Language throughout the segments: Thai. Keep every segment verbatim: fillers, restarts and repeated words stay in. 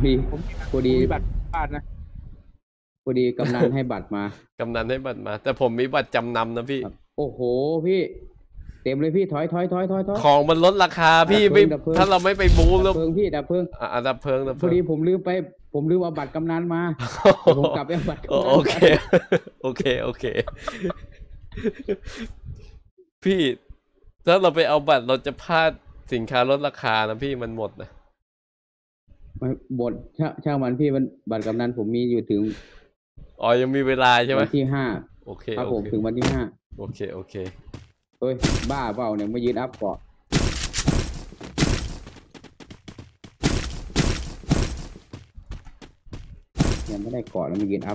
ดีผมพอดีมีบัตรบ้านนะพอดีกำนันให้บัตรมากำนันให้บัตรมา แต่ผมมีบัตรจำนำนะพี่ครับโอ้โหพี่เต็มเลยพี่ถอยถอยถอยถอยถอยของมันลดราคาพี่ไม่ดับเพลิงถ้าเราไม่ไปบูดับแล้วเพลิงพี่ดับเพลิงอ่ะดับเพลิงดับเพพอลิงดีผมลืมไปผมลืมเอาบัตรกำนันมาผมกลับไปเอาบัตรกำนันโอเคโอเคโอเคพี่ถ้าเราไปเอาบัตรเราจะพลาดสินค้าลดราคานะพี่มันหมดนะไม่บทช่างมันพี่มันบัตรกำนันผมมีอยู่ถึงอ๋อยังมีเวลาใช่ไหมวันที่ห้าโอเคครับผมโอเคถึงวันที่ห้าโอเคโอเคเฮ้ยบ้าเปล่าเนี่ยมายืนอัพเกาะยังไม่ได้เกาะแล้วมายืนอัพ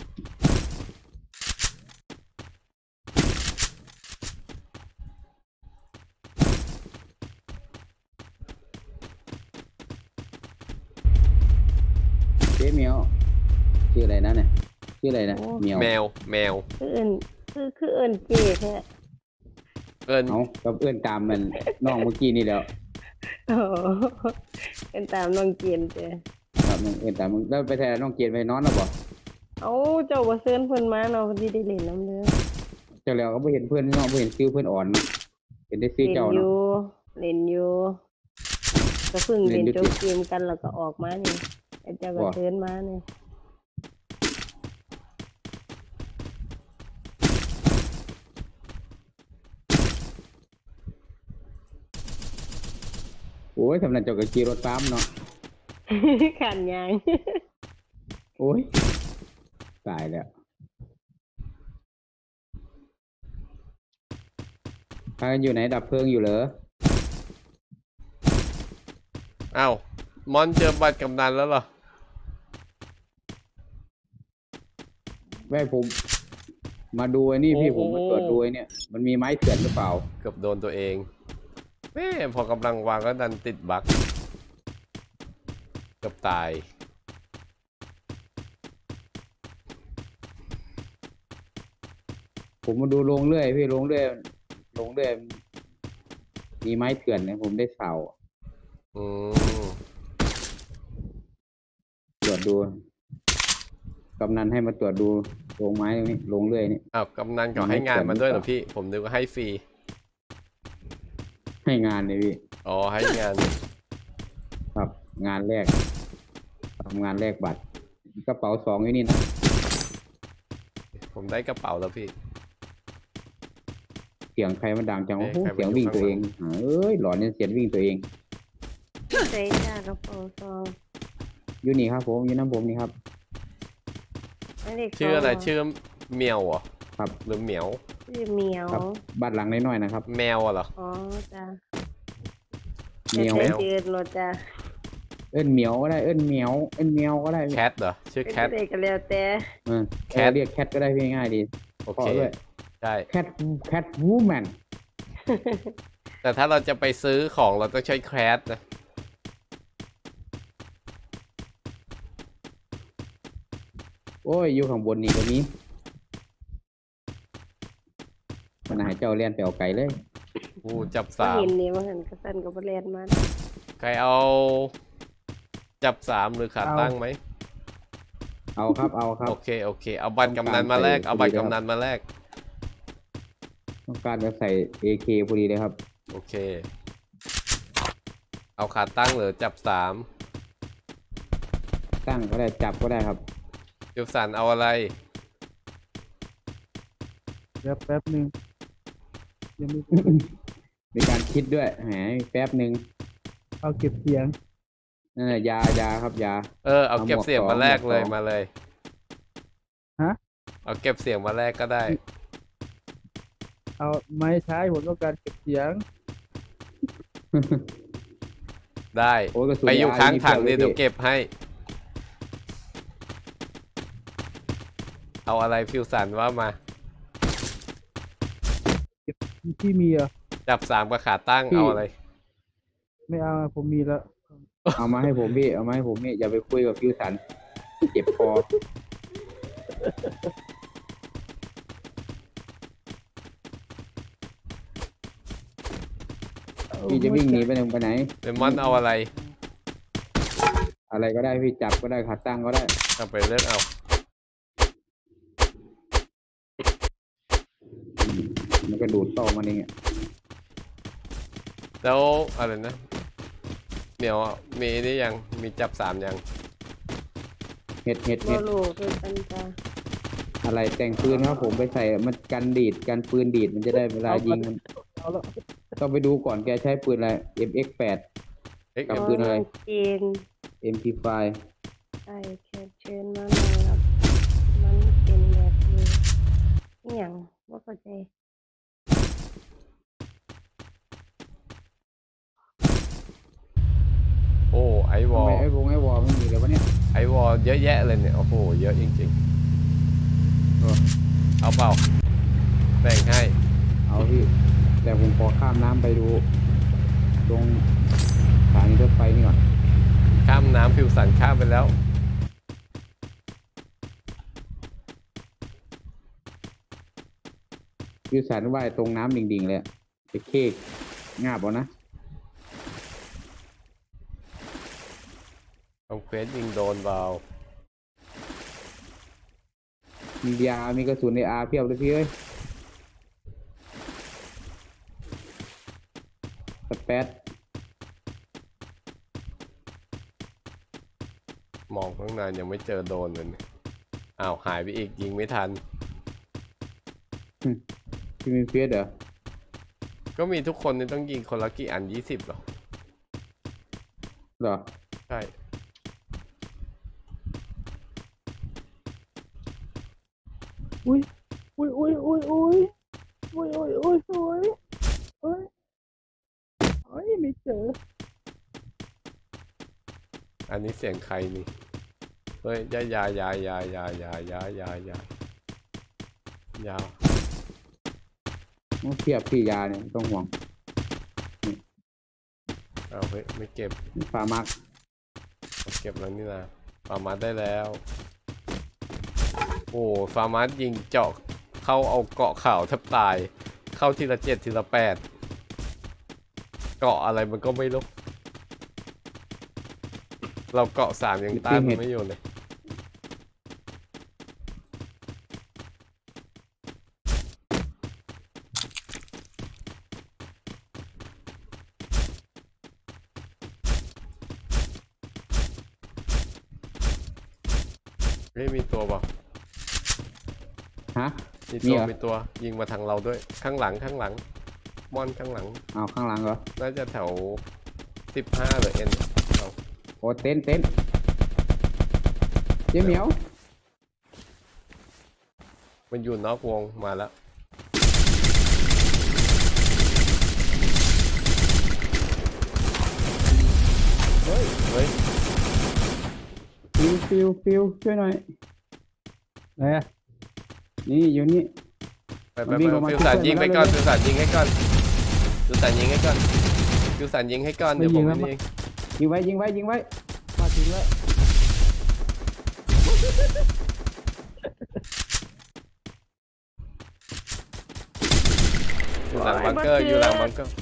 เจ๊เมียวชื่ออะไรนะเนี่ยชื่ออะไรนะเมียวแมวแมวคือเอินคือคือเอินเจ๊แท้เอิญเอากับเอื้อนตามมันน้องเมื่อกี้นี่แล้วโอ้เอินตามน้องเกียนเจ้ครับมึงเอื้อนตามมึงแล้วไปแทนน้องเกียรติไปนอนแล้วบ่เอาเจ้าบ่เซิญเพิ่นมาเนาะเพิ่นสิได้เล่นนำเด้อเจ้าแล้วก็ไม่เห็นเพื่อนน้องไม่เห็นซื้อเพื่อนอ่อนเห็นได้ซื้อเล่นเจ้าอเนาะยู่เล่นอยู่ก็เพิ่งเล่นจบเกมกันแล้วก็ออกมานี่ไอ้เจ้าก็เซิญมานี่โอ้ยสำนักเจ้าก็ขี่รถตามเนาะขันยางโอ้ยตายแล้วพากันอยู่ไหนดับเพลิงอยู่เหรออ้าวมอนเจอบัตรกำนันแล้วเหรอแม่ผมมาดูไอ้นี่พี่ผมมาตรวจดูไอ้เนี่ยมันมีไม้เถื่อนหรือเปล่าเกือบโดนตัวเองแม่พอกำลังวางก็ดันติดบั๊กเกือบตายผมมาดูลงเรื่อยพี่ลงเรื่อยลงเรื่อยมีไม้เถื่อนเนี่ยผมได้เสาอืมตรวจดูกำนันให้มาตรวจดูลงไม้ตรงนี้ลงเรื่อยนี่อ้าวกำนันก็ให้งานมาด้วยเหรอพี่ผมนึกว่าให้ฟรีให้งานเลยพี่อ๋อให้งานครับงานแรกทำงานแรกบัตรกระเป๋าสองอยู่นี่นะผมได้กระเป๋าแล้วพี่เสียงใครมันดังจังโอ้โหเสียงวิ่งตัวเองเอ้ยหลอนเนี่ยเสียงวิ่งตัวเองใส่จ้ากระเป๋าซองอยู่นี่ครับผมอยู่น้ำผมนี่ครับชื่ออะไรชื่อเมียวเหรอครับหรือเหมียวชื่อเมียวบ้านหลังน้อยๆนะครับแมวเหรออ๋อจ้าเมียวเจืดรถจ้าเอิ้นเหมียวก็ได้เอิ้นเหมียวเอิ้นเหมียวก็ได้แคทเหรอชื่อแคทก็แล้วแต่แคทเรียกแคทก็ได้พี่ง่ายดีโอเคใช่แคทแคทวูแมนแต่ถ้าเราจะไปซื้อของเราต้องใช้แคทนะโอ้ยอยู่ข้างบนนี่ก็มีมันหายเจ้าเลียนไปเอาไก่เลยกูจับสามเห็นนี่ว่าเห็นกระสันกับเลียนมาใครเอาจับสามหรือขาตั้งไหมเอาครับเอาครับโอเคโอเคเอาบัตรกำนันมาแลกเอาบัตรกำนันมาแลกต้องการจะใส่ เอ เค พอดีเลยครับโอเคเอาขาตั้งหรือจับสามตั้งก็ได้จับก็ได้ครับยูสันเอาอะไรแป๊บแป๊บหนึ่งยังไม่มีการคิดด้วยแหมแป๊บหนึ่งเอาเก็บเสียงนั่นแหละยายาครับยาเออเอาเก็บเสียงมาแลกเลยมาเลยฮะเอาเก็บเสียงมาแลกก็ได้เอาไม่ใช้ผมต้องการเก็บเสียงได้ไปอยู่ข้างถังนี่เดี๋ยวเก็บให้เอาอะไรฟิวสันว่ามาที่มีอ่ะจับสามกับขาตั้งเอาอะไรไม่เอาผมมีแล้วเอามาให้ผมพี่เอามาให้ผมนี่อย่าไปคุยกับฟิวสันเจ็บคอพี่จะวิ่งหนีไปไหนไปไหนเลมอนเอาอะไรอะอะไรก็ได้พี่จับก็ได้ขาตั้งก็ได้เอาไปเลือกเอาอืมมันก็ดูดต่อมันเองอ่ะแล้วอะไรนะเหมียวมีได้ยังมีจับสามยังเห็ดเห็ดโมเห็ดลูคือกันจ้าอะไรแต่งปืนครับผมไปใส่มันกันดีดกันปืนดีดมันจะได้เวลายิงมันเอาละต้องไปดูก่อนแกใช้ปืนอะไร เอ็ม เอ็กซ์ แปดเอ็กกับเอ็มปืนอะไรจีนเอ็ม พี ไฟว์ใช่เชิญเชิญมาหน่อยครับมันเป็นแบบนี้อหย่างว่าเข้าใจโอ้ไอวอทำลไมไอ้วงไอ้วอลไม่มีเลยวะเนี่ยไอวอลเยอะแยะเลยเนี่ยโอ้โหเยอะจริงเออๆเอาเปล่าแบ่งให้เอาพี่แต่ผมขอข้ามน้ำไปดู ตรงสถานีรถไฟนี่ก่อนข้ามน้ำฟิวสันข้ามไปแล้วยูสันว่ายตรงน้ำดิ่งๆเลยอะไปเค้กงาบเอานะทำเควสยิงโดนเบามียา มีกระสุนในอาเพียบเลยพี่เอ้ยสเปซมองข้างในยังไม่เจอโดนเลยเนี่ยอ้าวหายไปอีกยิงไม่ทันพี่มีเฟียสเหรอก็มีทุกคนนี่ต้องยิงคนละกี่อันยี่สิบหรอเหรอใช่อุ้ยอุ้ยอุ้ยอุ้ยอุ้ยอุ้ยอุ้ยอุ้ยสวยเอ้ยเอ้ยไม่เจออันนี้เสียงใครนี่เฮ้ยยายายายายายายายายายาต้องเทียบพี่ยาเนี่ยไม่ต้องห่วงเอาเฮ้ยไม่เก็บฟาร์มักเอาเก็บแล้วนี่นะฟาร์มาสได้แล้ว โอ้ฟาร์มาสยิงเจาะเข้าเอาเกาะข่าวแทบตาย เข้าทีละเจ็ดทีละแปดเกาะอะไรมันก็ไม่รู้เราเกาะสามยังต้านมันไม่อยู่เลยเฮ้ยมีตัวเปล่าฮะมีมีตัวเหรอมีตัวยิงมาทางเราด้วยข้างหลังข้างหลังมอนข้างหลังเอาข้างหลังเหรอน่าจะแถวสิบห้าหรือเอ็นเอาโอ้เต้นเต้นเจ๊เหมียวมันอยู่นอกวงมาแล้วเฮ้ยเฮ้ยฟิวฟิวฟิวช่วยหน่อยไหนอะนี่อยู่นี่ไปไปมันวิ่ไปงออกมาฟิวสันช่วยยิงมาให้แล้วก่อนเร็วฟิวสันยิงให้ก่อนฟิวสันยิงให้ก่อนฟิวสันยิงให้ก่อนเดี๋ยวผมไม่ยิงยิงไว้ยิงไว้ยิงไว้มาถึงแล้วอยู่หลังบังเกอร์อยู่หลังบังเกอร์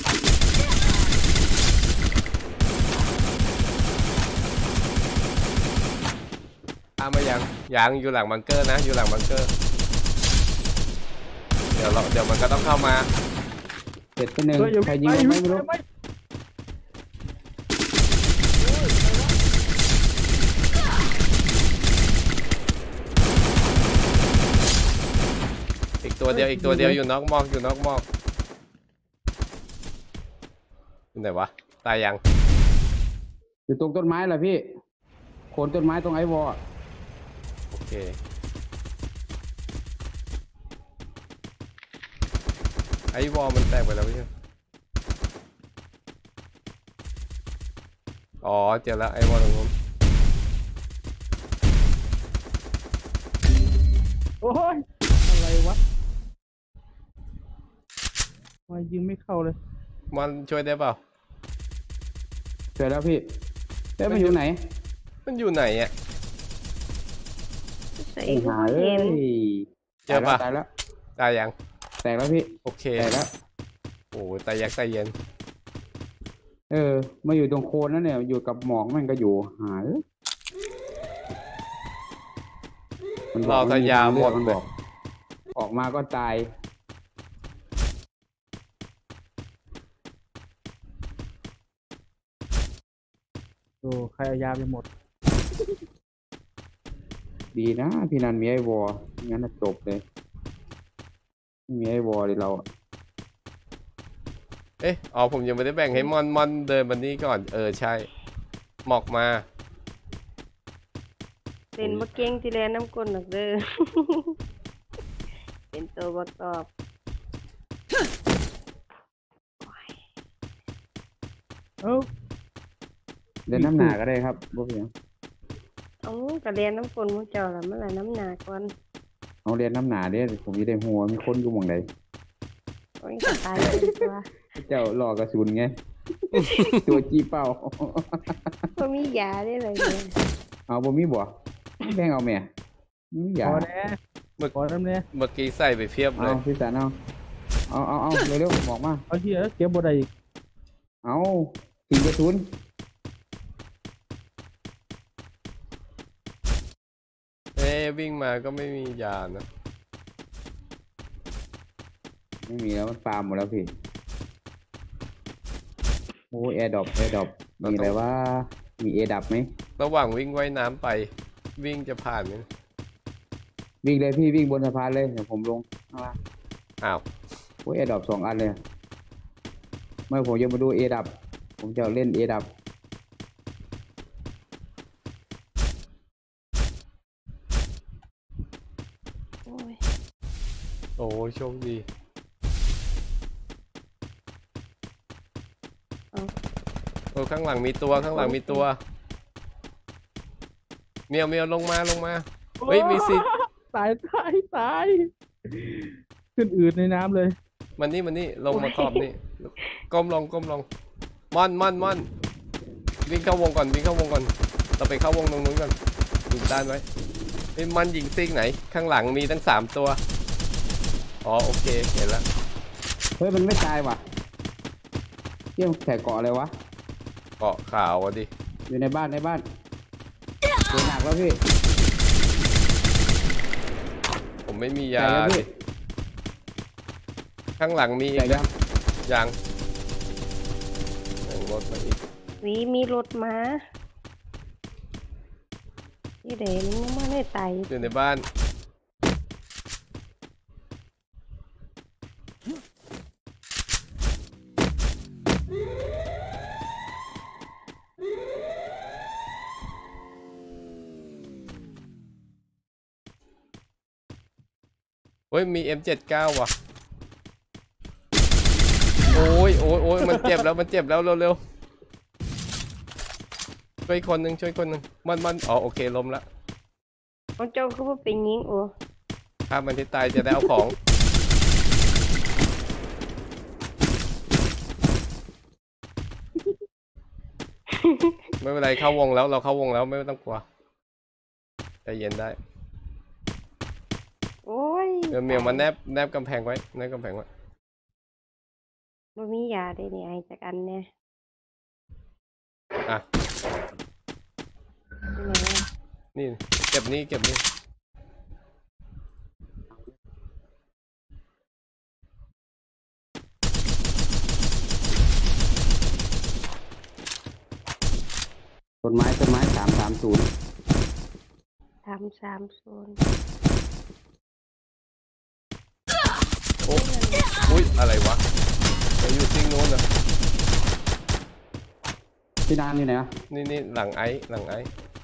ตามมายังยังอยู่หลังบังเกอร์นะอยู่หลังบังเกอร์เดี๋ยวเราเดี๋ยวมันก็ต้องเข้ามาเสร็จไปหนึ่งเฮ้ยอย่าใครวิ่งยิงไปมันอย่าไม่วิ่งรู้ไปอีกตัวเดียวอีกตัวเดียวอยู่นอกหมอกอยู่นอกหมอกอยู่ไหนวะตายยังอยู่ตรงต้นไม้แหละพี่โคนต้นไม้ตรงไอ้วอลโอเคไอ้วอลมันแตกไปแล้วไม่ใช่อ๋อเจอแล้วไอ้วอลตรงนู้นโอ้ยอะไรวะทำไมายิงไม่เข้าเลยมันช่วยได้เปล่าเสร็จแล้วพี่เอ๊ะมันอยู่ไหนมันอยู่ไหนอ่ะใส่ไอ้ก็หาบ่เอ้เห็นยเจอปะตายแล้วตายยังตายแล้วแตกแล้วพี่โอเคแตกแล้วโอ้ตายยักตายเย็นเออ มาอยู่ตรงโคนนั่นเนี่ย อยู่กับหมอกมันก็อยู่หายมันบเราอกทะยาหมดมันเลบยอก ออกมาก็ตายโอ้ใครเอายาไปหมดดีนะพี่นันมีไอ้วอร์งั้นน่ะจบเลยไม่มีไอ้วอร์เลยเราอะเอ๊ะอ๋อผมยังไม่ได้แบ่งให้มอนมอนเดินมานี่ก่อนเออใช่หมอกมาเป็นบ่เก่งที่แลน้ำก้นหรอกเด้อ เป็นตัวบ่ตอบเอ้าเดินน้ำหนาก็ได้ครับบ่เพียงเอาก็เรียนน้ำก้นหมู่เจ้าล่ะมันละน้ำหนาก่อนเอาเรียนน้ำหนาเด้ผมจะได้หัวมีคนอยู่หม่องใดโอ้ยก็ตายเลยตัวเจ้าหลอกกระสุนไง ตัวจี้เป้าบ่มียาได้เลยเนี่ยเอาบ่มีบ่แบ่งเอาแม่มีอพย่าอแน่เมื่อพอน้ำเนี่ยเมื่อกี้ใส่ไปเพียบเลเอายพี่สันเอาเอาเอาเอาเร็วๆบอกมาเอาเหี้ยเก็บบ่ได้อีกเอาทิ้งกระสุนเอ๊ะวิ่งมาก็ไม่มียานะไม่มีแล้วมันฟาร์มหมดแล้วพี่โอ้แอร์ดรอปแอร์ดรอปมีอะไรว่ามีเอดับไหมระหว่างวิ่งว่ายน้ำไป วิ่งจะผ่านไหมวิ่งเลยพี่วิ่งบนสะพานเลยเดี๋ยวผมลงข้างล่างอ้าวโอ้ยแอร์ดรอปสองอันเลยเมื่อผมจะมาดูเอดับผมจะเล่นเอดับโอ้ยโอ้โชคดีเอาโอ้ข้างหลังมีตัวข้างหลังมีตัวเมียวเมียวลงมาลงมา เฮ้ยมีสิทธิ์ตายตายตายขึ้นอืดในน้ำเลยมันนี่มันนี่ลงมาขอบนี่ก้มลงก้มลงม่อนม่อนม่อนวิ่งเข้าวงก่อนวิ่งเข้าวงก่อนเราไปเข้าวงตรงนู้นก่อนยิงด้านไว้ไอ้ยมันยิงซิกไหน ข้างหลังมีทั้งสามตัวอ๋อโอเคเห็นแล้วเฮ้ยมันไม่ตายว่ะเที่ยงแถกเกาะอะไรวะเกาะขาวอ่ะดิอยู่ในบ้านในบ้านเจ็บหนักแล้วพี่ผมไม่มีแตยากแล้วดิพี่ข้างหลังมีอีแตกกยันะงยังยังรถมาอีกวีมีรถมาที่เดนยังมาได้ไตอยู่ในบ้านเฮ้ยมี เอ็ม เจ็ดสิบเก้า ว่ะโอ้ยโอ้ยโอ้ยมันเจ็บแล้วมันเจ็บแล้วเร็วๆช่วยคนหนึ่งช่วยคนหนึ่งมันมันอ๋อโอเคล้มละของเจ้าคือว่าเป็นหญิงโอ้ถ้ามันที่ตายจะได้เอาของ ไม่เป็นไรเข้าวงแล้วเราเข้าวงแล้วไม่ต้องกลัวใจเย็นได้โอ้ยเดี๋ยวเมียวมาแนบแนบกำแพงไว้แนบกำแพงไว้บ่มียาได้นี่ไอจากอันเนี่ยอ่ะที่ไหนอะนี่เก็บนี่เก็บนี่ต้นไม้ต้นไม้สามสามศูนย์ทำสามโซนโอ้อุ้ยอะไรวะไปอยู่ซิงโน้นเหรอพี่นานอยู่ไหนวะนี่นี่หลังไอ้หลังไอ้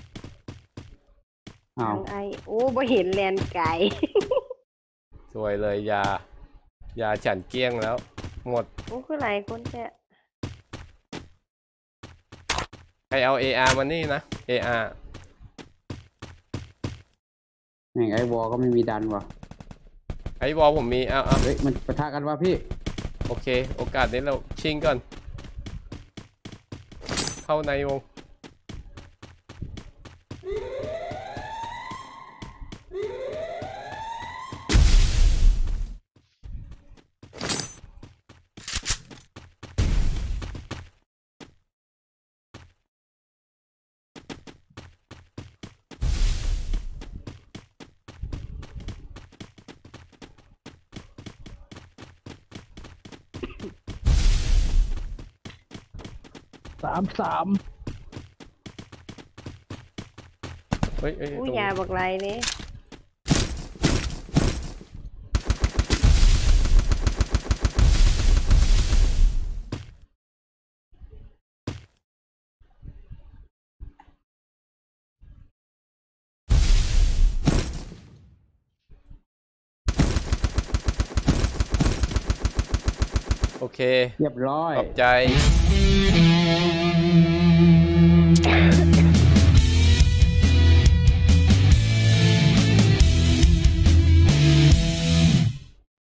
อ้าวทางไอโอ้บ่เห็นแลนไก่สวยเลยยา ยาฉันเกลี้ยงแล้ว หมดโอ้คือหลายคนแท้ใครเอา เอ อาร์ มานี่นะ เอ อาร์แม่งไอ้วอก็ไม่มีดันว่ะไอ้วอลผมมีเอาเอาเฮ้ยมันปะทะกันวะพี่โอเค โอกาสนี้เราชิงก่อน เข้าในวงสามสามเฮ้ยเฮ้ยอู้ตรงยาบักไรนี่โอเคเรียบร้อยขอบใจ